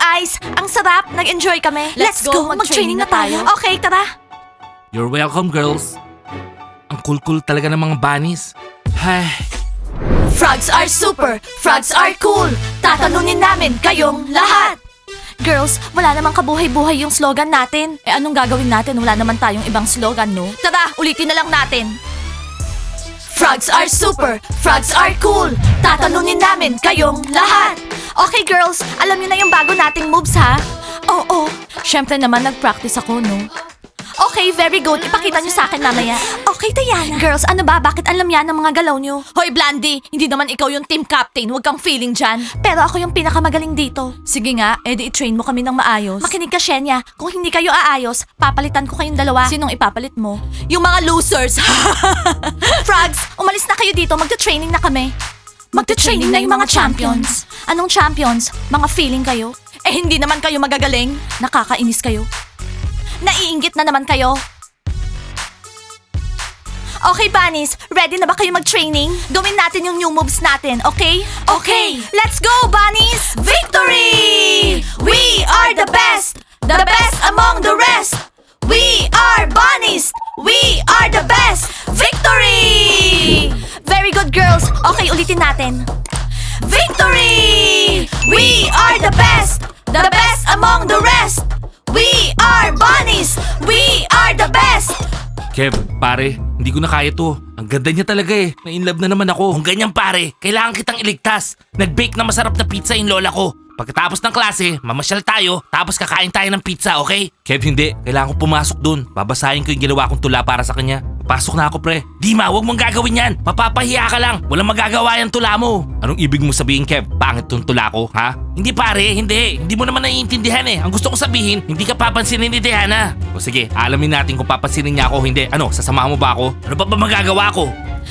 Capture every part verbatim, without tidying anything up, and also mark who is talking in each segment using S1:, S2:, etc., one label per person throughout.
S1: Ice, ang sarap. Nag-enjoy kami.
S2: Let's go, mag-training na tayo.
S1: Okay, tara.
S3: You're welcome, girls. Ang cool-cool talaga ng mga bunnies. Ay,
S1: Frogs are super. Frogs are cool. Tatalunin namin kayong lahat. Girls, wala namang kabuhay-buhay yung slogan natin.
S2: Eh anong gagawin natin? Wala naman tayong ibang slogan, no?
S1: Tara, ulitin na lang natin. Frogs are super. Frogs are cool. Tatalunin namin kayong lahat. Okay, girls, alam niyo na yung bago nating moves, ha? Oo.
S2: Siyempre naman nag-practice ako, no?
S1: Okay, very good. Ipakita niyo sa akin mamaya. Okay, Diana. Girls, ano ba? Bakit alam yan ng mga galaw niyo?
S2: Hoy, Blandy! Hindi naman ikaw yung team captain. Huwag kang feeling dyan.
S1: Pero ako yung pinakamagaling dito.
S2: Sige nga, edi i-train mo kami ng maayos.
S1: Makinig ka, Shenya. Kung hindi kayo aayos, papalitan ko kayong dalawa.
S2: Sinong ipapalit mo?
S1: Yung mga losers. Frogs, umalis na kayo dito. Magta-training na kami. Magta-training na yung mga champions. Anong champions? Mga feeling kayo?
S2: Eh hindi naman kayo magagaling. Nakakainis kayo.
S1: Naiinggit na naman kayo. Okay, bunnies. Ready na ba kayo mag-training? Gawin natin yung new moves natin, okay? Okay. Let's go, bunnies! Victory! We are the best! The best among the rest! We are bunnies! We are the best! Victory! Very good, girls. Okay, ulitin natin. Victory! We are the best! The best among the rest! We are bunnies! We are the best!
S3: Kev, pare, hindi ko na kaya to. Ang ganda niya talaga eh. Na-inlove na naman ako. Kung ganyan pare, kailangan kitang iligtas. Nag-bake na masarap na pizza yung lola ko. Pagkatapos ng klase, mamasyal tayo, tapos kakain tayo ng pizza, okay? Kev, hindi. Kailangan ko pumasok dun. Babasahin ko yung ginawa kong tula para sa kanya. Pasok na ako, pre. Dima, wag mong gagawin yan. Mapapahiya ka lang. Walang magagawa yung tula mo. Anong ibig mo sabihin, Kev? Pangit tong tula ko, ha? Hindi pare, hindi. Hindi mo naman naiintindihan eh. Ang gusto ko sabihin, hindi ka papansinin ni Diana. O sige, alamin natin kung papansinin niya ako o hindi. Ano, sasamahan mo ba ako? Ano pa ba magagawa ko?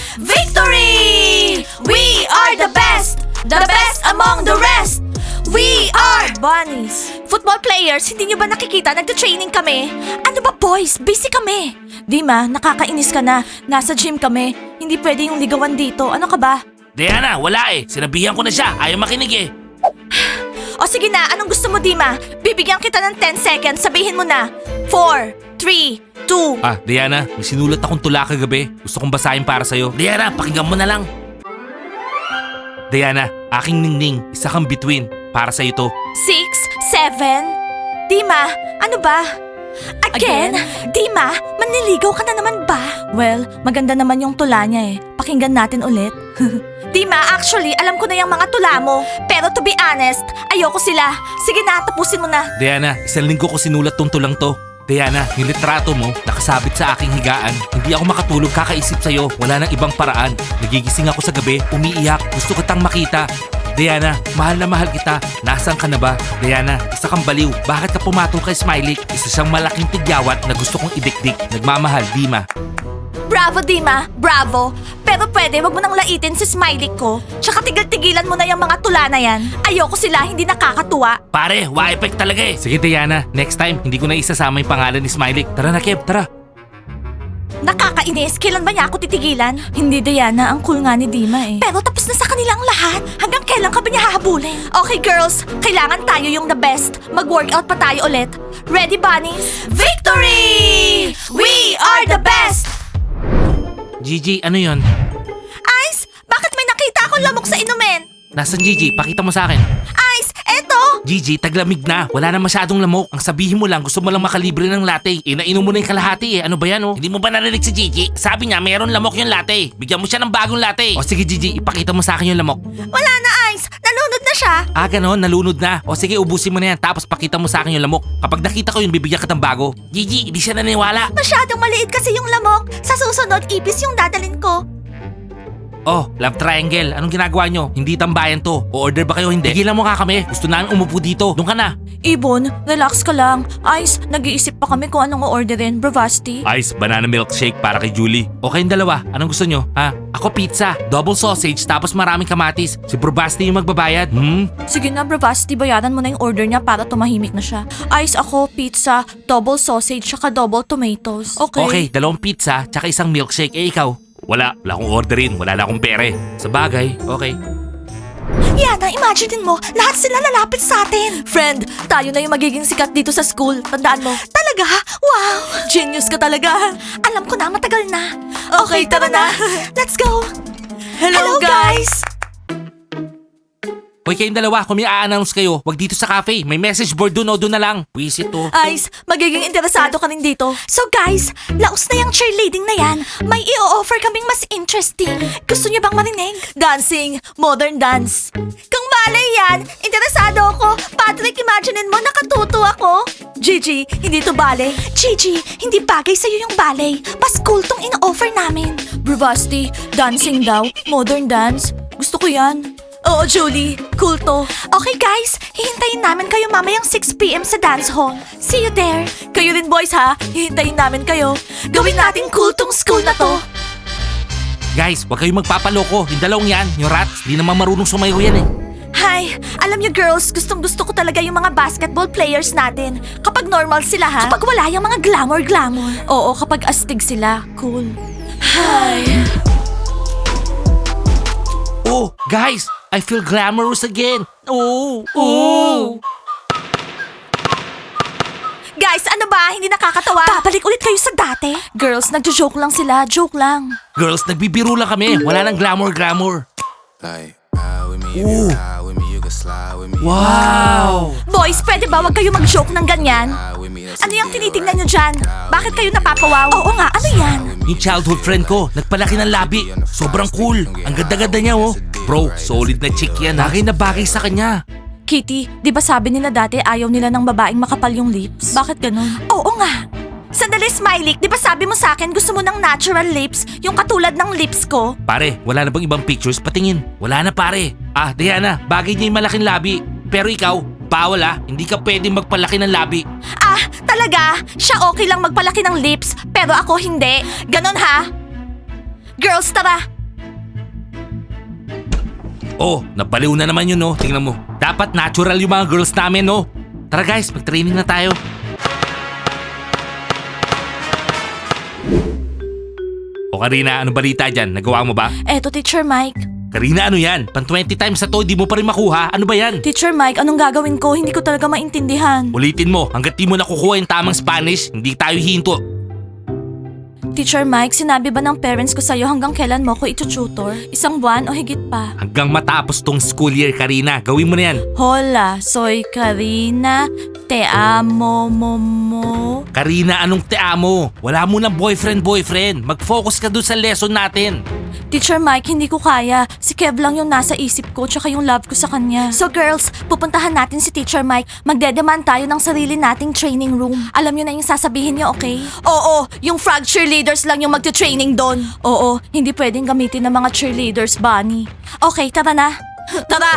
S1: Victory! We are the best! The best among the rest! We are bunnies! Football players, hindi nyo ba nakikita? Nagta-training kami. Ano ba boys? Busy kami.
S2: Dima, nakakainis ka na. Nasa gym kami. Hindi pwede yung ligawan dito. Ano ka ba?
S3: Diana, wala eh. Sinabihan ko na siya. Ayaw makinig eh.
S1: O sige na, anong gusto mo, Dima? Bibigyan kita ng ten seconds. Sabihin mo na. four, three, two.
S3: Ah, Diana, may sinulat akong tula kagabi. Gusto kong basahin para sa'yo. Diana, pakinggan mo na lang. Diana, aking ningning, isa kang bituin. Para sa'yo to.
S1: six, seven. Dima, ano ba? Again? Dima, manliligaw ka na naman ba?
S2: Well, maganda naman yung tula niya eh. Pakinggan natin ulit.
S1: Dima, actually, alam ko na yung mga tula mo. Pero to be honest, ayoko sila. Sige na, tapusin mo na.
S3: Diana, isang linggo ko sinulat tong tulang to. Diana, yung litrato mo, nakasabit sa aking higaan. Hindi ako makatulog kakaisip sa'yo. Wala nang ibang paraan. Nagigising ako sa gabi, umiiyak. Gusto kitang makita. Diana, mahal na mahal kita. Nasaan ka na ba? Diana, isa kang baliw. Bakit ka pumatol kay Smiley? Isa siyang malaking tigyawat na gusto kong idikdik. Nagmamahal, Dima.
S1: Bravo, Dima. Bravo. Pero pwede, wag mo nang laitin si Smiley ko. Tsaka tigil-tigilan mo na yung mga tula na yan. Ayoko sila, hindi nakakatuwa.
S3: Pare, wa-effect talaga eh. Sige, Diana. Next time, hindi ko na isasama yung pangalan ni Smiley. Tara na, Kev. Tara.
S1: Nakakainis. Kailan ba niya ako titigilan?
S2: Hindi, Diana. Ang cool nga ni Dima eh.
S1: Pero tapos na sa kanilang lahat. Hanggang kailan ka ba niya hahabulin? Okay, girls. Kailangan tayo yung the best. Mag-workout pa tayo ulit. Ready, bunnies? Victory! We are the best!
S3: Gigi, ano yon?
S1: Ice, bakit may nakita akong lamok sa inumin?
S3: Nasaan Gigi? Pakita mo sa akin.
S1: Ice, eto!
S3: Gigi, taglamig na. Wala na masyadong lamok. Ang sabihin mo lang, gusto mo lang makalibre ng latte. Eh, nainom mo na yung kalahati eh. Ano ba yan oh? Hindi mo ba narinig si Gigi? Sabi niya, mayroon lamok yung latte. Bigyan mo siya ng bagong latte. O sige Gigi, ipakita mo sa akin yung lamok.
S1: Wala na, Ice. Nalunod na siya.
S3: Ah, ganon, nalunod na. O sige, ubusin mo na yan. Tapos pakita mo sa akin yung lamok. Kapag nakita ko yun, bibigyan ka ng bago. Gigi, hindi siya naniniwala.
S1: Masyadong maliit kasi yung lamok. Sa susunod, ipis yung dadalin ko.
S3: Oh, love triangle. Anong ginagawa nyo? Hindi tambayan to. O-order ba kayo hindi? Tigilan mo nga kami. Gusto namin umupo dito. Doon ka na.
S2: Ibon, relax ka lang. Ice, nag-iisip pa kami kung anong o-orderin. Bravasti.
S3: Ice, banana milkshake para kay Julie. O kayong dalawa, anong gusto nyo? Ha? Ako pizza, double sausage, tapos maraming kamatis. Si Probasti yung magbabayad. Hmm?
S2: Sige na, Bravasti, bayaran mo na yung order niya para tumahimik na siya. Ice, ako, pizza, double sausage, saka double tomatoes. Okay.
S3: Okay, dalawang pizza, tsaka isang milkshake. Eh ikaw? Wala, wala akong orderin. Wala na akong pere. Sa bagay, okay.
S1: Yana, imagine mo, lahat sila lalapit sa atin.
S2: Friend, tayo na yung magiging sikat dito sa school. Tandaan mo.
S1: Talaga? Wow!
S2: Genius ka talaga.
S1: Alam ko na, matagal na.
S2: Okay, tara na.
S1: Let's go!
S2: Hello, guys.
S3: Hoy kayong dalawa, kung may a-announce kayo, wag dito sa cafe. May message board dun o dun na lang. Wisit to.
S2: Ice, magiging interesado ka rin dito.
S1: So guys, laos na yung cheerleading na yan. May i-offer kaming mas interesting. Gusto niyo bang marinig?
S2: Dancing, modern dance.
S1: Kung malay yan, interesado ako. Patrick, imaginein mo, nakatuto ako.
S2: Gigi, hindi to bale.
S1: Gigi, hindi bagay sa'yo yung ballet. Paskul tong in-offer namin.
S2: Bravasti, dancing daw, modern dance. Gusto ko yan. Oo, Julie, cool to.
S1: Okay guys, hihintayin namin kayo mamayang six p.m. sa dance hall. See you there.
S2: Kayo rin boys ha, hihintayin namin kayo.
S1: Gawin natin cool tong school na to.
S3: Guys, wag kayong magpapaloko. Yung dalawang yan, yung rats, di naman marunong sumayaw yan eh.
S1: Hi, alam niyo girls, gustong gusto ko talaga yung mga basketball players natin.
S2: Kapag normal sila ha.
S1: Kapag wala yung mga glamour-glamour.
S2: Oo, kapag astig sila, cool. Hi.
S3: Oh, guys, I feel glamorous again. Oh, oh.
S1: Guys, ano ba? Hindi nakakatawa? Babalik ulit kayo sa dati?
S2: Girls, nagjo-joke lang sila, joke lang.
S3: Girls, nagbibiro lang kami. Wala nang glamour-glamour.
S4: Like, ride with me, if
S3: Ooh.
S4: you ride with me, you can slide with me.
S3: Wow!
S1: Boys, pwede ba wag kayo mag-joke ng ganyan?
S4: Ride with me, that's
S1: Ano
S4: a
S1: yung
S4: deal,
S1: tinitingnan
S4: right?
S1: nyo dyan? Bakit kayo napapawaw? Oo nga, ano yan?
S3: Yung childhood friend ko, nagpalaki ng labi. Sobrang cool. Ang ganda-ganda niya, oh. Bro, solid na chick yan. Bagay na bagay sa kanya.
S2: Kitty, di ba sabi nila dati ayaw nila ng babaeng makapal yung lips? Bakit ganun?
S1: Oo nga. Sandali, Smiley. Di ba sabi mo sa akin gusto mo ng natural lips? Yung katulad ng lips ko?
S3: Pare, wala na bang ibang pictures? Patingin. Wala na pare. Ah, Diana, bagay niya yung malaking labi. Pero ikaw, bawal ah. Hindi ka pwedeng magpalaki ng labi.
S1: Ah, talaga? Siya okay lang magpalaki ng lips, pero ako hindi. Ganon ha? Girls, tara.
S3: Oh, napaliw na naman yun, no? Tingnan mo. Dapat natural yung mga girls namin, no? Tara guys, mag-training na tayo. O Karina, ano balita dyan? Nagawa mo ba?
S2: Eto, Teacher Mike.
S3: Karina, ano yan? Pan twenty times na to, di mo pa rin makuha. Ano ba yan?
S2: Teacher Mike, anong gagawin ko? Hindi ko talaga maintindihan.
S3: Ulitin mo, hanggat di mo nakukuha yung tamang Spanish, hindi tayo hinto.
S2: Teacher Mike, sinabi ba ng parents ko sa'yo hanggang kailan mo ko itututor? Isang buwan o higit pa?
S3: Hanggang matapos tong school year, Karina. Gawin mo na yan.
S2: Hola, soy Karina. Te amo mo mo.
S3: Karina, anong te amo? Wala mo ng boyfriend-boyfriend. Mag-focus ka dun sa lesson natin.
S2: Teacher Mike, hindi ko kaya. Si Kev lang yung nasa isip ko tsaka yung love ko sa kanya.
S1: So girls, pupuntahan natin si Teacher Mike. Magdedemand tayo ng sarili nating training room. Alam niyo na yung sasabihin niyo, okay? Oo, yung frog cheerleaders lang yung magte-training doon.
S2: Oo, hindi pwedeng gamitin ng mga cheerleaders, Bunny.
S1: Okay, tara na. Tara!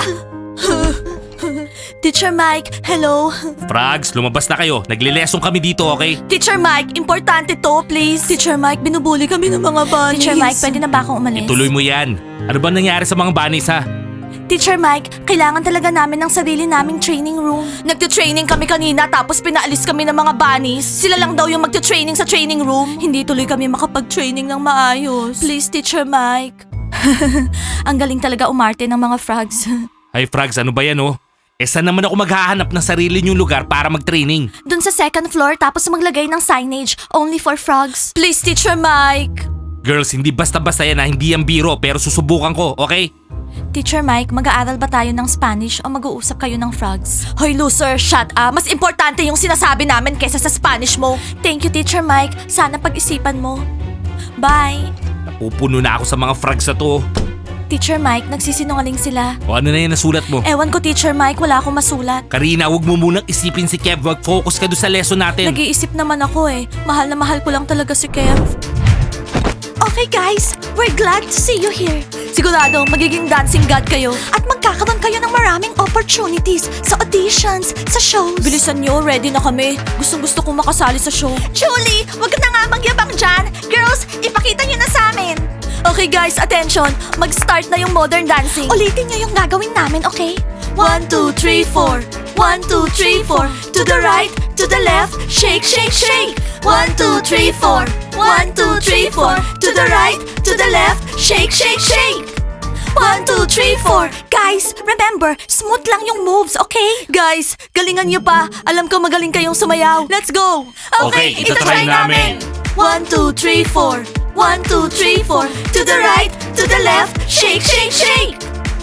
S2: Teacher Mike, hello.
S3: Frogs, lumabas na kayo. Nagle-lesson kami dito, okay?
S1: Teacher Mike, importante to, please.
S2: Teacher Mike, binubuli kami ng mga bunnies.
S1: Teacher Mike, pwede na ba akong umalis?
S3: Ituloy mo yan. Ano ba nangyari sa mga bunnies, ha?
S1: Teacher Mike, kailangan talaga namin ng sarili naming training room. Nagte-training kami kanina tapos pinaalis kami ng mga bunnies. Sila lang daw yung magte-training sa training room.
S2: Hindi tuloy kami makapag-training ng maayos. Please, Teacher Mike. Ang galing talaga umarte ng mga frogs.
S3: Ay, Frogs, ano ba yan, oh? Eh, saan naman ako maghahanap ng sarili niyong lugar para mag-training?
S1: Dun sa second floor tapos maglagay ng signage, only for frogs.
S2: Please, Teacher Mike.
S3: Girls, hindi basta-basta yan, ha? Hindi yan biro, pero susubukan ko, okay?
S2: Teacher Mike, mag-aaral ba tayo ng Spanish o mag-uusap kayo ng frogs?
S1: Hoy loser, shut up. Mas importante yung sinasabi namin kesa sa Spanish mo.
S2: Thank you, Teacher Mike. Sana pag-isipan mo. Bye.
S3: Napupuno na ako sa mga frogs na to.
S2: Teacher Mike, nagsisinungaling sila.
S3: O ano na yan nasulat mo?
S2: Ewan ko, Teacher Mike, wala akong masulat.
S3: Karina, huwag mo munang isipin si Kev. Wag focus ka doon sa lesson natin.
S2: Nag-iisip naman ako eh. Mahal na mahal ko lang talaga si Kev.
S1: Okay guys, we're glad to see you here.
S2: Sigurado, magiging dancing god kayo.
S1: At magkakaroon kayo ng maraming opportunities sa auditions, sa shows.
S2: Bilisan nyo, ready na kami. Gustong gusto kong makasali sa show.
S1: Julie, wag ka na nga magyabang dyan. Girls, ipakita nyo na sa amin.
S2: Okay guys, attention. Mag-start na yung modern dancing.
S1: Ulitin nyo yung gagawin namin, okay?
S2: One, two, three, four. One, two, three, four.
S1: To the right, to the left, shake, shake, shake. One, two, three, four. One, two, three, four. To the right, to the left, shake, shake, shake. One, two, three, four. Guys, remember, smooth lang yung moves, okay? Guys, galingan nyo pa. Alam ko magaling kayong sumayaw. Let's go!
S3: Okay, itatry namin.
S1: One, two, three, four. One, two, three, four. To the right, to the left. Shake, shake, shake!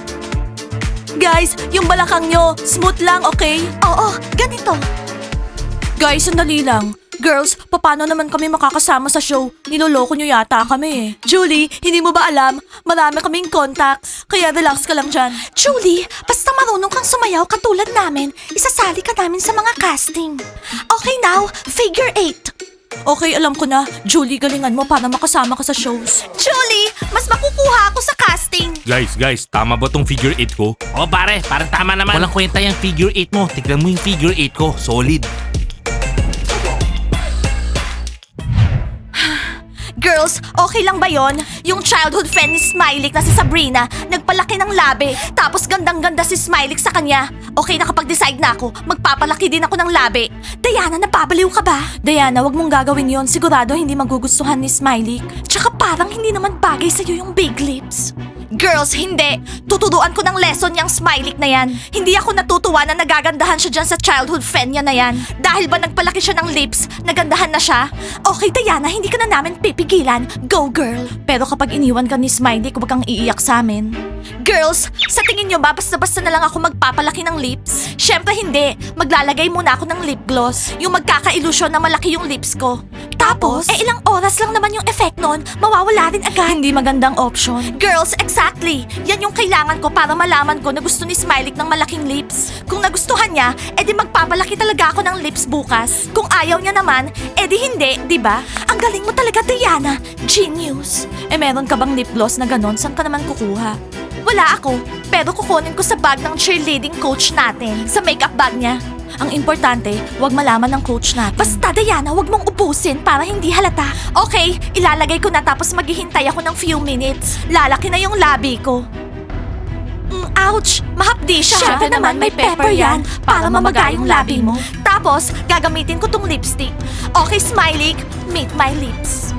S1: Guys, yung balakang nyo, smooth lang, okay? Oo, ganito.
S2: Guys, sandali lang. Girls, paano naman kami makakasama sa show? Niloloko nyo yata kami eh.
S1: Julie, hindi mo ba alam? Marami kaming contacts, kaya relax ka lang dyan. Julie, basta marunong kang sumayaw katulad namin, isasali ka namin sa mga casting. Okay now, figure eight.
S2: Okay, alam ko na. Julie, galingan mo para makasama ka sa shows.
S1: Julie, mas makukuha ako sa casting.
S3: Guys, guys, tama ba tong figure eight ko? Oh pare, parang tama naman. Walang kwenta yung figure eight mo. Tignan mo yung figure eight ko. Solid.
S1: Girls, okay lang ba yon? Yung childhood friend ni Smiley na si Sabrina, nagpalaki ng labi, tapos gandang-ganda si Smiley sa kanya. Okay, nakapag-decide na ako, magpapalaki din ako ng labi. Diana, napabaliw ka ba?
S2: Diana, wag mong gagawin yon. Sigurado hindi magugustuhan ni Smiley.
S1: Tsaka parang hindi naman bagay sa'yo yung big lips. Girls, hindi. Tuturuan ko ng lesson yung Smiley na yan. Hindi ako natutuwa na nagagandahan siya dyan sa childhood friend niya na yan. Dahil ba nagpalaki siya ng lips, nagandahan na siya? Okay, Diana, hindi ka na namin pipigilan. Go, girl.
S2: Pero kapag iniwan ka ni Smiley, huwag kang iiyak sa amin.
S1: Girls, sa tingin nyo ba basta-basta na lang ako magpapalaki ng lips? Syempre hindi. Maglalagay muna ako ng lip gloss. Yung magkaka-illusion na malaki yung lips ko. Tapos, eh ilang oras lang naman yung effect nun, mawawala rin agad.
S2: Hindi magandang option.
S1: Girls, exactly. Yan yung kailangan ko para malaman ko na gusto ni Smiley ng malaking lips. Kung nagustuhan niya, edi magpapalaki talaga ako ng lips bukas. Kung ayaw niya naman, edi hindi, di ba? Ang galing mo talaga, Diana. Genius.
S2: Eh meron ka bang lip gloss na ganon? Saan ka naman kukuha?
S1: Wala ako, pero kukunin ko sa bag ng cheerleading coach natin. Sa makeup bag niya.
S2: Ang importante, wag malaman ng coach natin.
S1: Basta, Diana, wag mong ubusin para hindi halata. Okay, ilalagay ko na tapos maghihintay ako ng few minutes. Lalaki na yung labi ko. Mm, ouch! Mahapdi siya.
S2: Syempre naman, may pepper yan para mamaga yung labi mo.
S1: Tapos, gagamitin ko tong lipstick. Okay, Smiley, meet my lips.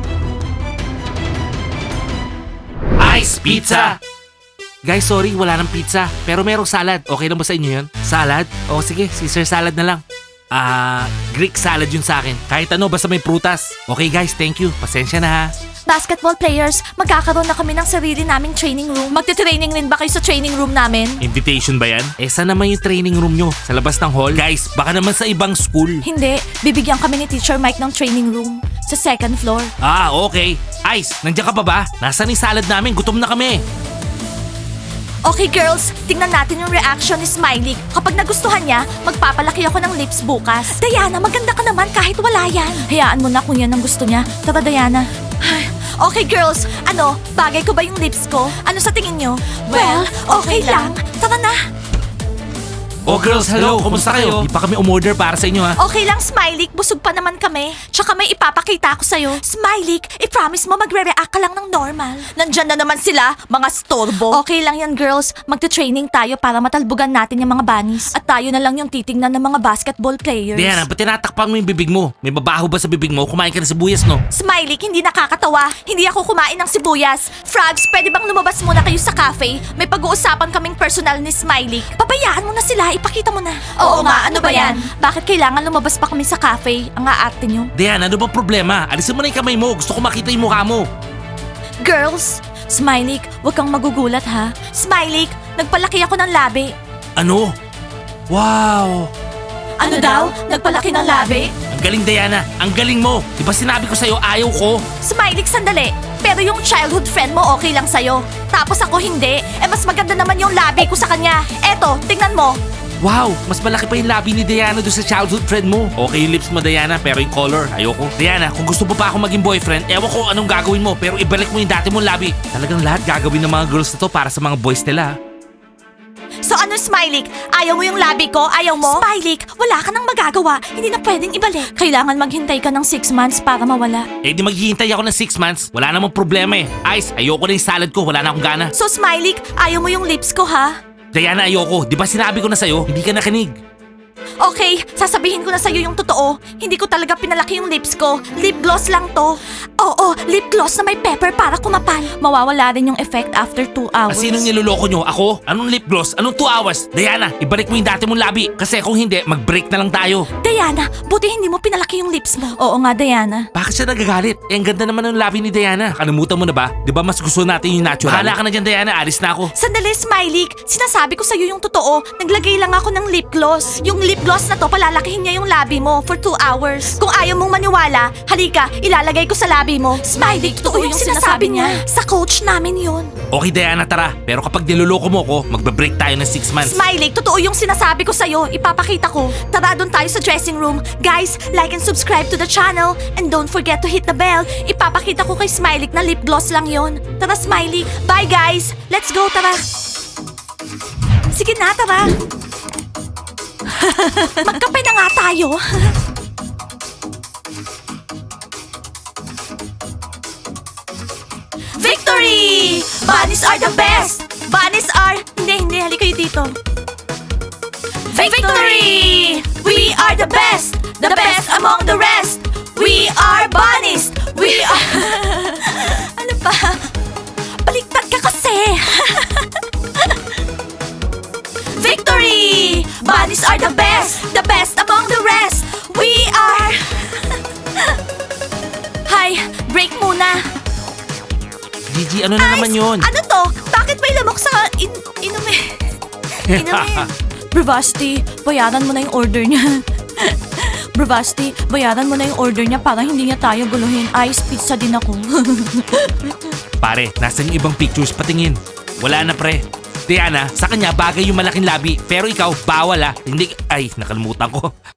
S3: Ice pizza! Guys, sorry, wala ng pizza. Pero merong salad. Okay lang ba sa inyo yun? Salad? O sige, Caesar salad na lang. Ah, Greek salad yun sa akin. Kahit ano, basta may prutas. Okay guys, thank you. Pasensya na ha.
S1: Basketball players, magkakaroon na kami ng sarili naming training room.
S2: Magte-training rin ba kayo sa training room namin?
S3: Invitation ba yan? Eh, saan naman yung training room nyo? Sa labas ng hall? Guys, baka naman sa ibang school.
S2: Hindi, bibigyan kami ni Teacher Mike ng training room sa second floor.
S3: Ah, okay. Ice, nandiyan ka pa ba? Nasaan yung salad namin? Gutom na kami.
S1: Okay girls, tingnan natin yung reaction ni Smiley. Kapag nagustuhan niya, magpapalaki ako ng lips bukas. Diana, maganda ka naman kahit wala yan.
S2: Hayaan mo na kung yan ang gusto niya. Tara, Diana.
S1: Okay girls, ano, bagay ko ba yung lips ko? Ano sa tingin nyo? Well, okay lang. Tara na.
S3: Oh girls, hello. Kumusta kayo? Di pa kami umorder para sa inyo ha.
S1: Okay lang, Smiley. Busog pa naman kami. Tsaka may ipapakita ako sa'yo. Smiley, i-promise mo magre-react ka lang ng normal. Nandyan na naman sila, mga storbo.
S2: Okay lang yan, girls. Magte-training tayo para matalbugan natin yung mga bunnies. At tayo na lang yung titingnan ng mga basketball players.
S3: Diana, ba't tinatakpan mo yung bibig mo? May babaho ba sa bibig mo? Kumain ka na sibuyas, no?
S1: Smiley, hindi nakakatawa. Hindi ako kumain ng sibuyas. Frogs, pwede bang lumabas muna kayo sa cafe? May pag-uusapan kaming personal ni Smiley. Pabayaan mo na sila, ipakita mo na.
S2: Oo nga, ano ba yan? Bakit kailangan lumabas pa kami sa cafe? Ang aarte nyo.
S3: Diana, ano bang problema? Alisin mo na yung kamay mo. Gusto ko makita yung mukha mo.
S1: Girls,
S2: Smiley, huwag kang magugulat ha.
S1: Smiley, nagpalaki ako ng labi.
S3: Ano? Wow!
S2: Ano daw? Nagpalaki ng labi?
S3: Ang galing, Diana. Ang galing mo. Di ba sinabi ko sa'yo, ayaw ko?
S1: Smiley, sandali. Pero yung childhood friend mo okay lang sa'yo. Tapos ako hindi. Eh mas maganda naman yung labi ko sa kanya. Eto, tingnan mo.
S3: Wow! Mas malaki pa yung labi ni Diana doon sa childhood friend mo. Okay yung lips mo, Diana, pero yung color, ayoko. Diana, kung gusto mo pa ako maging boyfriend, ewan ko anong gagawin mo, pero ibalik mo yung dati mong labi. Talagang lahat gagawin ng mga girls na to para sa mga boys nila.
S1: So ano, Smiley? Ayaw mo yung labi ko? Ayaw mo? Smiley, wala ka nang magagawa. Hindi na pwedeng ibalik.
S2: Kailangan maghintay ka ng six months para mawala.
S3: Eh di maghihintay ako ng six months. Wala namang problema eh. Ice, ayoko na yung salad ko. Wala na akong gana.
S1: So Smiley, ayaw mo yung lips ko, ha?
S3: Diana, ayoko. Di ba sinabi ko na sa'yo, hindi ka nakinig.
S1: Okay, sasabihin ko na sa'yo yung totoo. Hindi ko talaga pinalaki yung lips ko. Lip gloss lang to. Oo, lip gloss na may pepper para kumapal.
S2: Mawawala rin yung effect after two
S3: Ah,
S2: hours.
S3: sinong niloloko nyo? Ako? Anong lip gloss? Anong two hours? Diana, ibalik mo yung dati mong labi. Kasi kung hindi, mag-break na lang tayo.
S1: Diana, buti hindi mo pinalaki yung lips mo.
S2: Oo nga, Diana.
S3: Bakit siya nagagalit? Eh, ang ganda naman ng labi ni Diana. Kalimutan mo na ba? Di ba mas gusto natin yung natural? Bahala ka na dyan, Diana. Alis na ako.
S1: Sandali, Smiley. Sinasabi ko sa'yo yung totoo. Naglagay lang ako ng lip gloss. Yung lip gloss na to, palalakihin niya yung labi mo for two hours. Kung ayaw mong maniwala, halika, ilalagay ko sa labi mo. Smiley, totoo yung sinasabi niya. Sa coach namin yun.
S3: Okay, Diana, tara. Pero kapag niloloko mo ko, magbe-break tayo ng six months.
S1: Smiley, totoo yung sinasabi ko sa'yo. Ipapakita ko. Tara, doon tayo sa dressing room. Guys, like and subscribe to the channel. And don't forget to hit the bell. Ipapakita ko kay Smiley na lip gloss lang yon. Tara, Smiley. Bye, guys. Let's go, tara. Sige na, tara. Magkape na nga tayo. Victory! Bunnies are the best! Bunnies are... Hindi, hindi. Halika kayo dito. Victory! We are the best! The best among the rest! We are bunnies! We are... ano pa? Baliktad ka kasi! Victory! Bunnies are the best! The best among the rest! We are... Hi, break muna.
S3: Gigi, ano na naman
S1: Ice,
S3: yun?
S1: Ano to? Bakit may lamok sa in inumin? Inumin.
S2: Bravasti, bayaran mo na yung order niya. Bravasti, bayaran mo na yung order niya para hindi niya tayo guluhin. Ice pizza din ako.
S3: Pare, nasan yung ibang pictures? Patingin. Wala na, pre. Diana, sa kanya bagay yung malaking labi. Pero ikaw, bawal ah. Hindi... Ay, nakalimutan ko.